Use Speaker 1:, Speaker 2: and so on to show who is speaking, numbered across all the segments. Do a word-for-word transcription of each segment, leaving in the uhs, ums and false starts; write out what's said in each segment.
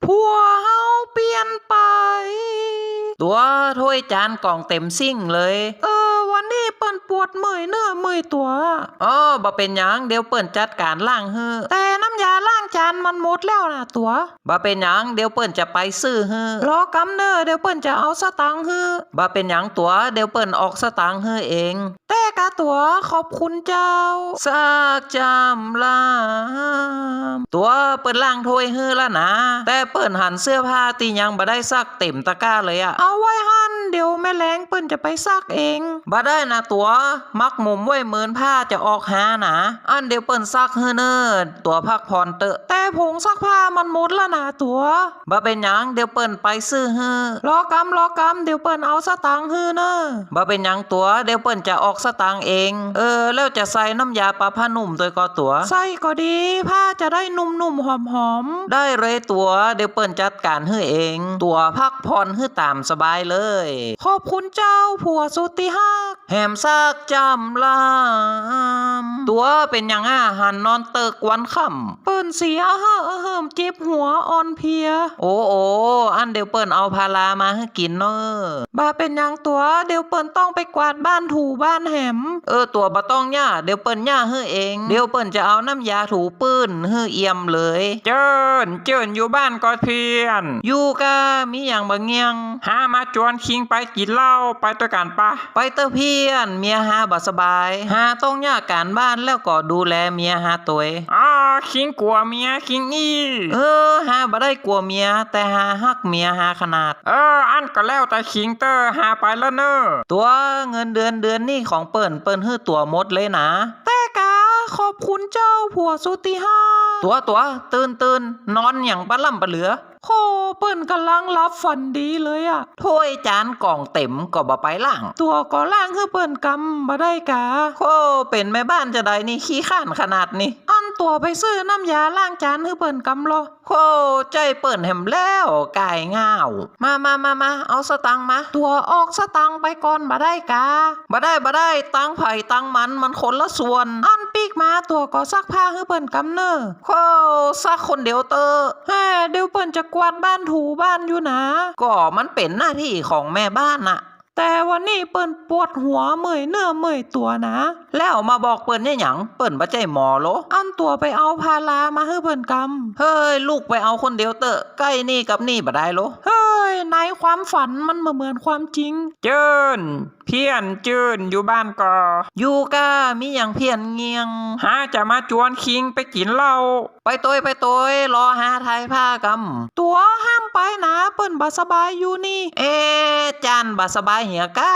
Speaker 1: ผัวเฮาเปลี่ยนไปตัวถ้วยจานกล่องเต็มซิ่งเลยเออวันนี้เปิ้นปวดเมื่อยเนื้อเมื่อยตัวอ๋อบ่เป็นหยังเดี๋ยวเปิ้นจัดการล้างฮื้อแต่น้ำยาล้างจานมันหมดแล้วนะตัวบ่เป็นหยังเดี๋ยวเปิ้นจะไปซื้อฮื้อรอกำเน้อเดี๋ยวเปิ้นจะเอาสตางค์ฮื้อบ่เป็นหยังตัวเดี๋ยวเปิ้นออกสตางค์ฮื้อเองแต่กะตัวขอบคุณเจ้าสากจำลามตัวเปิ้นล้างถ้วยฮื้อแล้วนะแต่เปิ้นหันเสื้อผ้าตียังบ่ได้ซักเต็มตะกร้าเลยอะเอาไว้หันเดี๋ยวแม่แรงเปิ้นจะไปซักเองบ่ได้นะตัวมักหมุมไว้เหมือนผ้าจะออกหานะอันเดี๋ยวเปิ้นซักฮื้อเนิดตัวพักผ่อนเตอะแต่ผงซักผ้ามันหมดแล้วนะตัวบ่เป็นหยังเดี๋ยวเปิ้นไปซื้อฮื้อรอกำรอกำเดี๋ยวเปิ้นเอาสตางค์ฮื้อเน้อบ่เป็นหยังตัวเดี๋ยวเปิ้นจะออกสตางค์เองเออแล้วจะใส่น้ำยาปะผ้านุ่มตัวก็ตัวใส่ก็ดีผ้าจะได้นุ่มๆหอมๆได้เลยตัวเดี๋ยวเปิ้นจัดการฮื้อเองตัวพักผ่อนฮื้อตามสบายเลยขอบคุณเจ้าผัวสุดที่ฮักแหมซากจำลามตัวเป็นหยังอ่ะหันนอนเติกวันค่ำเปิ้นเสียเฮ้อเฮิมเจ็บหัวอ่อนเพลียโอ้โออันเดี๋ยวเปิ้นเอาพารามาให้กินเนอะบ่าเป็นหยังตัวเดี๋ยวเปิ้นต้องไปกวาดบ้านถูบ้านแหมเออตัวบ่ต้องย่าเดี๋ยวเปิ้นย่าให้เองเดี๋ยวเปิ้นจะเอาน้ำยาถูปื้นให้เอี่ยมเลยเจิ้นเจิ้นอยู่บ้านก็เพียนอยู่กะมีหยังบ่เงียงหามาจวนคิงไปกินเหล้าไปตัวกันปะไปเตอเพียนเมียหาบ่สบายหาต้องย่าการบ้านแล้วก็ดูแลเมียหาตัวอ๋อคิงกลัวเมียคิงอีเออหาบ่ได้กลัวเมียแต่หาฮักเมียหาขนาดเอออันก็แล้วแต่คิงเตอร์หาไปแล้วเนอะตัวเงินเดือนเดือนนี้ของเปิ้นเปิ้นฮื้อตัวหมดเลยนะแต่กะขอบคุณเจ้าผัวสุติฮาตัวตัวตื่นตื่นนอนอย่างปะล่ำปะเหลือโคเปิ้นกำลังรับฝันดีเลยอะถ้วยจานกล่องเต็มก็บ่ไปล่างตัวก็ล่างคือเปิ้นกำบ่ได้กะโคเป็นแม่บ้านจะได้นี่ขี้ข้านขนาดนี้อันตัวไปซื้อน้ำยาล้างจานคือเปิ้นกำรอโคใจเปิ้นแหมแล้วกายง่าวมามามามาเอาสตังค์มาตัวออกสตังค์ไปก่อนบ่ได้กะบ่ได้บ่ได้ตังไผ่ตังมันมันคนละส่วนอันปีกมาตัวก็ซักผ้าคือเปิ้นกำเนอโคซักคนเดียวเตอแฮ่เดี๋ยวเปิ้นจะกวาดบ้านถูบ้านอยู่นะก็มันเป็นหน้าที่ของแม่บ้านน่ะแต่วันนี้เปิ้นปวดหัวเมื่อยเนื้อเมื่อยตัวนะแล้วมาบอกเปิ้นเนี่ยหยังเปิ้นบ่ใจหมอโลอันตัวไปเอาพารามาให้เปิ้นกำเฮ้ยลูกไปเอาคนเดียวเตอะใกล้นี่กับนี่บ่ได้โลเฮ้ยในความฝันมันบ่เหมือนความจริงเจิ้นเพี้ยนเจิ้นอยู่บ้านก็อยู่กะมีหยังเพี้ยนเงียงหาจะมาจวนคิงไปกินเหล้าไปโตยไปโตยรอหาไทยผ้ากำตัวห้ามไปนะเปิ้นบ่สบายอยู่นี่เอ๊จานบ่สบายเหียก้า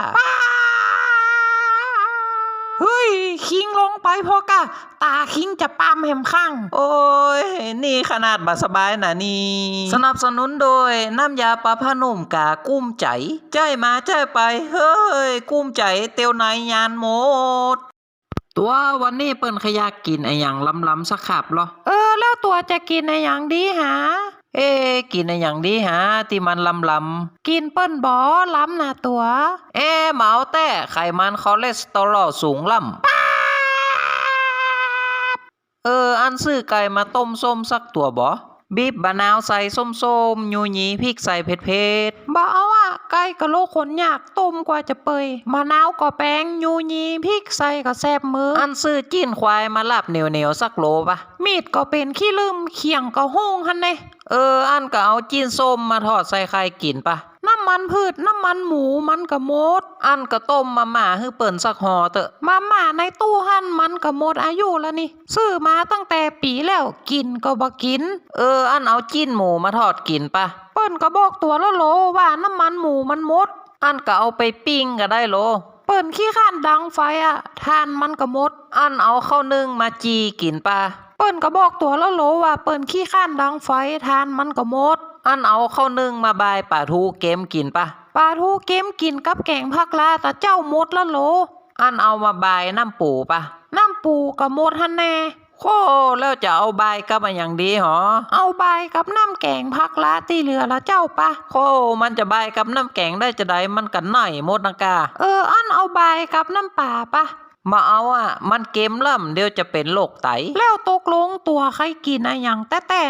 Speaker 1: เฮ้ยคิงลงไปพอกะตาคิงจะปามแหมข้างโอ้ยนี่ขนาดบ่สบายนะนี่สนับสนุนโดยน้ำยาปลาผ้านุ่มกากุ้มใจใจมาใจไปเฮ้ยกุ้มใจเตียวในยานหมดตัววันนี้เปิ้นขยากกินไอ้หยังล้ำๆสักขับเหรอเออแล้วตัวจะกินไอ้หยังดีหาเอ๊กินไอ้หยังดีหาที่มันล้ำๆกินเปิ้นบ่ล้ำนะตัวเอ๊เหมาแต่ไขมันคอเลสเตอรอลสูงล้ำเอออันซื้อไก่มาต้มส้มสักตัวบ่บีบบะนาวใส่ส้มๆยูยีพริกใส่เผ็ดๆบ่เอาอ่ะไก่กะโลขนยากต้มกว่าจะเปยมะนาวก็แป้งยูยีพริกใส่ก็แซ่บมืออันซื้อจิ้นควายมาลาบเหนียวๆสักโลปะมีดก็เป็นขี้ลืมเขียงก็โห้งหั่นเด้เอออันก็เอาจิ้นส้มมาทอดใส่ไข่กินปะน้ำมันพืชน้ำมันหมูมันก็หมดอันก็ต้มมาม่าให้เปิ้นสักห่อเตอะมาม่าในตู้หั่นมันก็หมดอายุแล้วนี่ซื้อมาตั้งแต่ปีแล้วกินก็บ่กินเอออันเอาจิ้นหมูมาทอดกินปะเปิ้นก็บอกตัวละโลว่าน้ำมันหมูมันหมดอันก็เอาไปปิ้งก็ได้โลเปิ้นขี้ข้านดังไฟอ่ะทานมันก็หมดอันเอาข้าวนึ่งมาจีกินปะเปิ้นก็บอกตัวละโลว่าเปิ้นขี้ข้านดังไฟทานมันก็หมดอันเอาข้าวนึ่งมาบายป่าทูเกมกินปะป่าทูเกมกินกับแกงผักลาแต่เจ้าหมดละโลอันเอามาบายน้ำปูปะน้ำปูก็หมดหั่นแน่โคแล้วจะเอาบายกับอย่างดีหรอเอาบายกับน้ำแกงผักลาที่เหลือละเจ้าปะโคมันจะบายกับน้ำแกงได้จะได้มันกันหน่อยหมดนะกาเอออันเอาบายกับน้ำป่าปะมาเอาอ่ะมันเกมล่ำเดี๋ยวจะเป็นโรคไตแล้วตกลงตัวใครกินอะไรอย่างแต่แต่นี่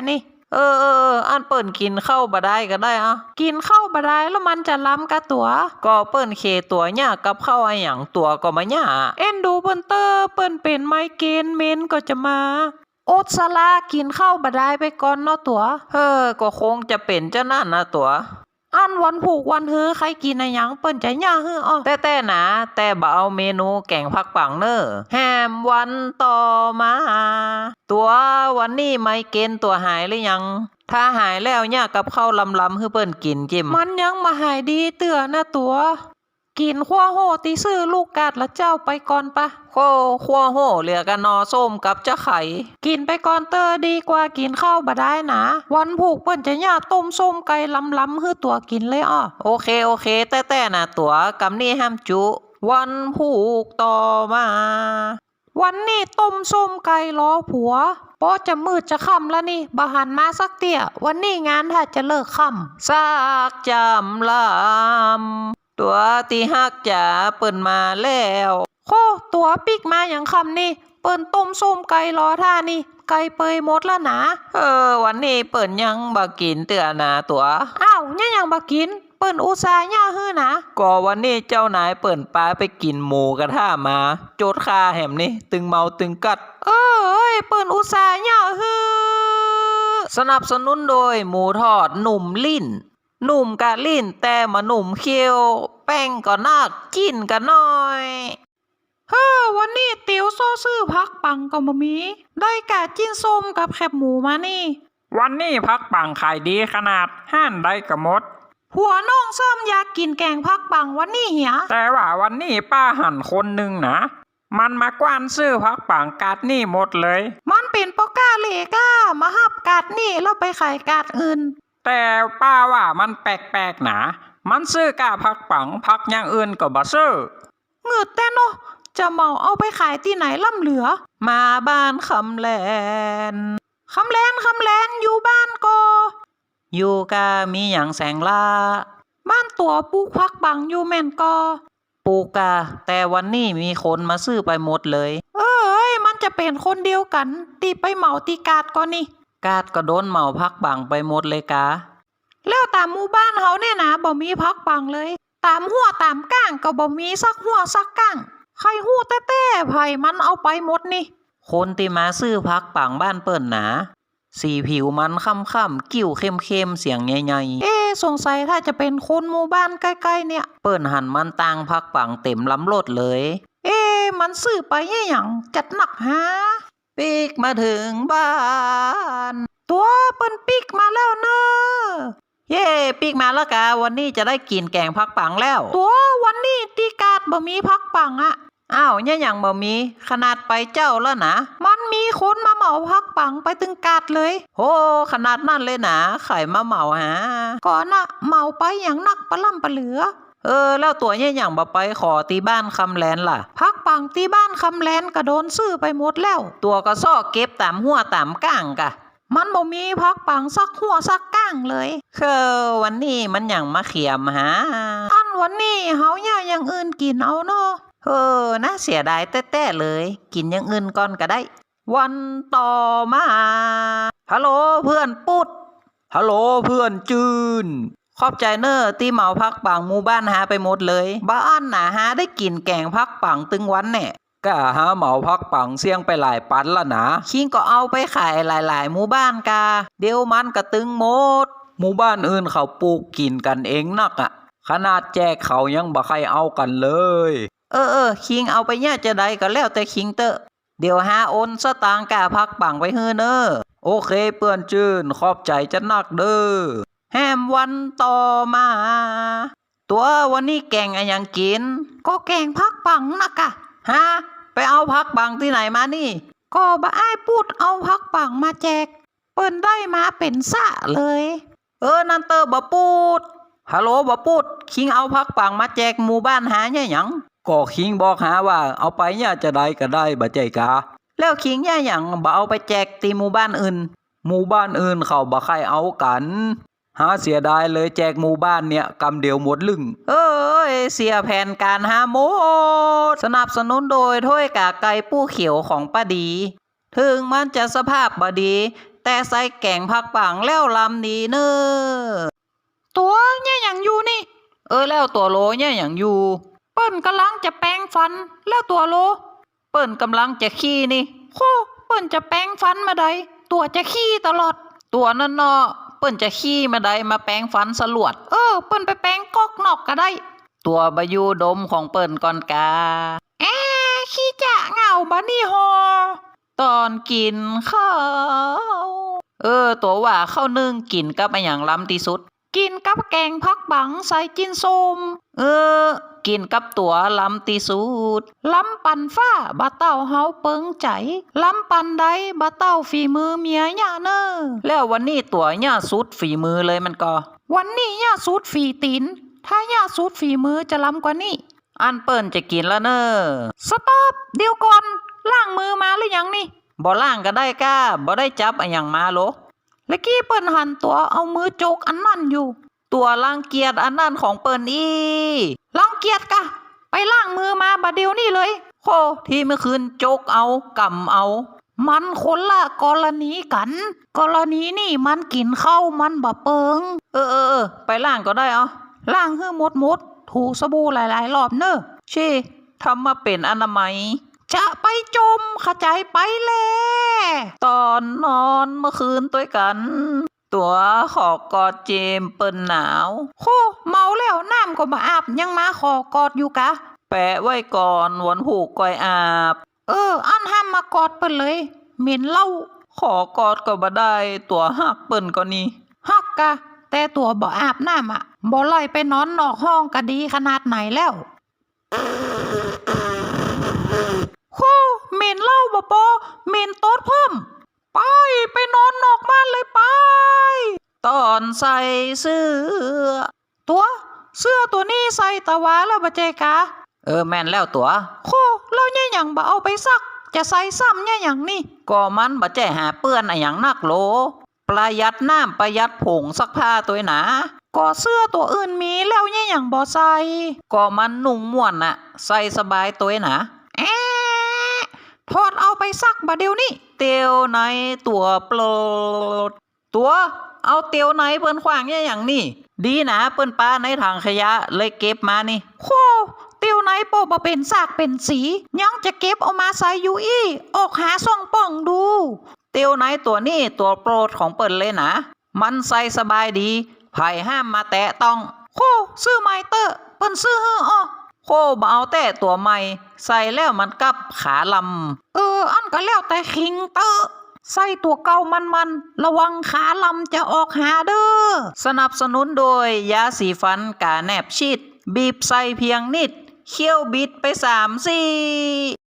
Speaker 1: เออเออเอออันเปิ่นกินข้าวบะได้ก็ได้อะกินข้าวบะได้แล้วมันจะล้ำกะตัวก็เปิ่นเคตัวเนี่ยกับข้าวไอหยังตัวก็มาเนี่ยเอ็นดูเปิ้นเตอร์เปิ่นเป็นไมเกรนเมนก็จะมาโอดสลากินข้าวบะได้ไปก่อนเนาะตัวเออก็คงจะเป็นเจ้านั่นนะตัวอันวันผูกวันฮือใครกินอะไรยังเปิ้นใจย่าฮืออ้อแต่แต่นะแต่บ่เอาเมนูแกงผักปังเนอแฮมวันต่อมาตัววันนี้ไมเกรนตัวหายหรือยังถ้าหายแล้วเนี่ยกับข้าวลำลำฮือเปิ้นกินจิ้มมันยังมาหายดีเตือนะตัวกินขั้วโหตีซื้อลูกกาดละเจ้าไปก่อนปะโคขั้วโหเหลือกันนอส้มกับเจ้าไข่กินไปก่อนเตอดีกว่ากินข้าวบะได้นะวันผูกเปิ้นจะย่าต้มส้มไก่ลำลำฮือตัวกินเลยอ้อโอเคโอเคแต่แต่นะตัวกำนี่ห้ามจุวันผูกต่อมาวันนี้ต้มส้มไก่ล้อผัวเพราะจะมืดจะค่ำแล้วนี่บหันมาสักเตี้ยวันนี้งานถ้าจะเลิกค่ำซากจำลำตัวตีฮักจ๋าเปิ่นมาแล้วโคตัวปิกมาอย่างคำนี่เปิ่นต้มส้มไก่ล้อท่านี่ไก่เปยหมดแล้วนะเออวันนี้เปิ่นยังบ่กินเตือนาตัวอ้าวยังยังบ่กินเปิ่นอุตส่าห์ย่าฮื้อนะก็วันนี้เจ้านายเปิ่นปาไปกินหมูกระทะมาโจดคาแหมนี่ตึงเมาตึงกัดเอ้ยเปิ่นอุตส่าห์ย่าฮื้อสนับสนุนโดยหมูทอดหนุ่มลิ้นหนุ่มกะลิ้นแต่มาหนุ่มเคี้ยวแป้งก็นักกินกันหน่อยเฮ้อวันนี้เตี๋ยวโซซื่อพักปังก็บ่มีได้กะจิ้นส้มกับแคบหมูมานี่
Speaker 2: วันนี้พักปังขายดีขนาดห้านได้กระมด
Speaker 1: หัวน้องซ้ำอยากกินแกงพักปังวันนี้เหีย
Speaker 2: แต่ว่าวันนี้ป้าหันคนหนึ่งนะมันมากว้านซื้อพักปังกาดนี่หมดเลย
Speaker 1: มันเป็นปก้าเลก้ามาหับกาดนี่แล้วไปขายกาดอื่น
Speaker 2: แต่ป้าว่ามันแปลกๆนะมันซื้อกาพักปังพักอย่างอื่นก็บ่ซื้อ
Speaker 1: เงืดแต่เนาะจะเมาเอาไปขายที่ไหนล่ำเหลือมาบ้านคำแลนคำแลนคำแลนอยู่บ้านก็อยู่กามีอย่างแสงล่าบ้านตัวปลูกพักปังอยู่แม่นก็ปลูกกาแต่วันนี้มีคนมาซื้อไปหมดเลยเอ้ยมันจะเป็นคนเดียวกันตีไปเหมาตีกาดก็นี่กาดก็โดนเหมาพักปังไปหมดเลยกาแล้วตามหมู่บ้านเขาเนี่ยนะบ่มีพักปังเลยตามหัวตามก้างก็บ่มีสักหัวสักก้างใครหู้แต้ๆไผมันเอาไปหมดนี่คนที่มาซื้อพักปังบ้านเปิ้นหนาสีผิวมันค่ำๆกิ้วเข้มๆเสียงใหญ่ๆเอ๊สงสัยถ้าจะเป็นคนหมู่บ้านใกล้ๆเนี่ยเปิ้นหันมันต่างพักปังเต็มลำรถเลยเอ๊มันซื้อไปแย่หยังจัดหนักฮะปิกมาถึงบ้านตัวเปิ้นปิกมาแล้วเนอะเย่ปิกมาแล้วกะวันนี้จะได้กินแกงพักปังแล้วตัววันนี้ตีกาดบ่มีพักปังอะอ้าวเนี่ยอย่างบ่มีขนาดไปเจ้าแล้วนะมันมีคนมาเหมาพักปังไปตึงกาดเลยโหขนาดนั่นเลยนะไข่มาเหมาหาก่อนน่ะเหมาไปอย่างนักปะล่ำปะเหลือเออแล้วตัวเนี่ยอย่างบ่ไปขอตีบ้านคำแลนล่ะพักปังตีบ้านคำแลนก็โดนซื้อไปหมดแล้วตัวก็ซ้อเก็บตามหัวตามก้างกะมันบ่มีพักปังสักหัวสักก้างเลยคือวันนี้มันอย่างมาเขียมหาอันวันนี้เฮาอย่าอย่างอื่นกินเอาเนาะเออน่าเสียดายแต้ๆเลยกินอย่างอื่นก่อนก็ได้วันต่อมาฮัลโหลเพื่อนปุ๊ดฮัลโหลเพื่อนจืนขอบใจเนอร์ที่เหมาพักปังหมู่บ้านหาไปหมดเลยบ้านน่ะหาได้กินแกงพักปังตึงวันแน่ก็หาเหมาพักปังเสี่ยงไปหลายปันละนะคิงก็เอาไปขายหลายๆหมู่บ้านกาเดี๋ยวมันก็ตึงหมดหมู่บ้านอื่นเขาปลูกกินกันเองนักอ่ะขนาดแจกเขายังบ่ใครเอากันเลยเออเออคิงเอาไปเนี่ยจะได้ก็แล้วแต่คิงเตอะเดี๋ยวหาโอนสตางค์กาพักปังไปเฮือเนอโอเคเปื่อนจืนขอบใจจะนักเด้อแฮมวันต่อมาตัววันนี้แกงอะไรยังกินก็แกงพักปังนะกะฮะไปเอาพักปังที่ไหนมานี่ก็บ่อ้ายพูดเอาพักปังมาแจกเปิ้นได้มาเป็นสะเลยเออนั่นเตอบ่พูดฮัลโหลบ่พูดคิงเอาพักปังมาแจกหมู่บ้านหาเนี่ยหยังก็คิงบอกหาว่าเอาไปเนี่ยจะได้ก็ได้บ่ใจกะแล้วคิงเนี่ยหยังบ่เอาไปแจกตีหมู่บ้านอื่นหมู่บ้านอื่นเขาบ่ใครเอากันหาเสียดายเลยแจกหมู่บ้านเนี่ยกำเดียวหมดลึงเอ้ยเสียแผนการหาหมดสนับสนุนโดยถ้วยกากไก่ปู้เขียวของป้าดีถึงมันจะสภาพบ่ดีแต่ใส่แกงผักปังแล้วลำดีเนอตัวเนี่ยอย่างอยู่นี่ เออแล้วตัวโลเนี่ยอย่างอยู่ เปิ้นกำลังจะแปรงฟันแล้วตัวโล เปิ้นกำลังจะขี้นี่โคเปิ้นจะแปรงฟันมาใดตัวจะขี้ตลอด ตัวนั่นเนาะเปิ้นจะขี้มาใดมาแปรงฟันสลวด เออเปิ้นไปแปรงกอกนอกก็ได้ ตัวบายูดมของเปิ้นก่อนกาแอขี้จะเหงาบะนี่ฮอตอนกินข้าวเออตัวว่าข้าวนึ่งกินกับอะไรอย่างล้ำที่สุด กินกับแกงผักบังใส่จินส้มเออ กินกับตัวล้ำตีสุดล้ำปันฟ้าบะเต้าเฮาเปิงใจล้ำปันใดบะเต้าฝีมือเมียย่าเนอแล้ววันนี้ตัวย่าสุดฝีมือเลยมันก็ วันนี้ย่าสุดฝีตีนถ้าย่าสุดฝีมือจะล้ำกว่านี้ อันเปิ้นจะกินแล้วเนอสต็อปเดี๋ยวก่อนล้างมือมาหรือยังนี่บ่ล้างก็ได้ก้าบ่ได้จับอะหยังมาโลแล้วกี้เปิ้นหันตัวเอามือโจกอันนั่นอยู่ ตัวรังเกียจอันนั่นของเปิ้นอีรังเกียจกะไปล้างมือมาบัดเดียวนี่เลยโคที่เมื่อคืนโจกเอากำเอา มันคนละกรณีกัน กรณีนี่มันกินข้าวมันบะเปิงเออเออเออไปล้างก็ได้เอาล้างให้หมดหมดถูสบู่หลายๆรอบเนอะชีทำมาเป็นอนามัยจะไปจมขจายไปแลตอนนอนเมื่อคืนตัวกัน ตัวขอกอดเจมเปิ้นหนาวโคเมาแล้วน้ำก็มาอาบยังมาขอกอดอยู่กะ แปะไว้ก่อนวันหูกก่อยอาบ เอออันห้ามมากอดเปิ้นเลยเหม็นเหล้าขอกอดก็บ่ได้ตัวหักเปิ้นก็นี่หักกะ แต่ตัวบ่อาบน้ำอ่ะบ่ลอยไปนอนนอกห้องก็ดีขนาดไหนแล้วโคเหม็นเหล้าบ่ปอเหม็นโต๊ดเพิ่มไปไปนอนนอกบ้านเลยไปตอนใส่เสื้อตัวเสื้อตัวนี้ใส่ตะวาแล้วบ่เจกะเออแม่นแล้วตัวโคแล้วเนี่ยหยังบ่เอาไปซักจะใส่ซ้ำเนี่ยหยังนี่ก็มันบ่แจ้หาเปื้อนอะหยังนักโลประหยัดน้ำประหยัดผงซักผ้าตัวหนาก็เสื้อตัวอื่นมีแล้วเนี่ยหยังบ่ใส่ก็มันนุ่งม่วนน่ะใส่สบายตัวหนาแอะถอดเอาไปซักบ่เดี๋ยวนี้เตียวในตัวโปรดตัวเอาเตียวในเปิ้นขวางเนี่ยอย่างนี่ดีนะเปิ้นป้าในถังขยะเลยเก็บมานี่โคเตียวในโปบ่เป็นซากเป็นสียังจะเก็บเอามาใส่อยู่อีออกหาซ่องป่องดูเตียวในตัวนี้ตัวโปรดของเปิ้นเลยนะมันใส่สบายดีไผห้ามมาแตะต้องโคซื้อใหม่เตอเปิ้นซื้อฮื้ออ้อโคบ่เอาแต่ตัวใหม่ใส่แล้วมันกับขาลำเอออันก็แล้วแต่คิงเตอใส่ตัวเก่ามันๆระวังขาลำจะออกหาเด้อสนับสนุนโดยยาสีฟันกาแนบชีดบีบใส่เพียงนิดเคี่ยวบิดไปสามสี่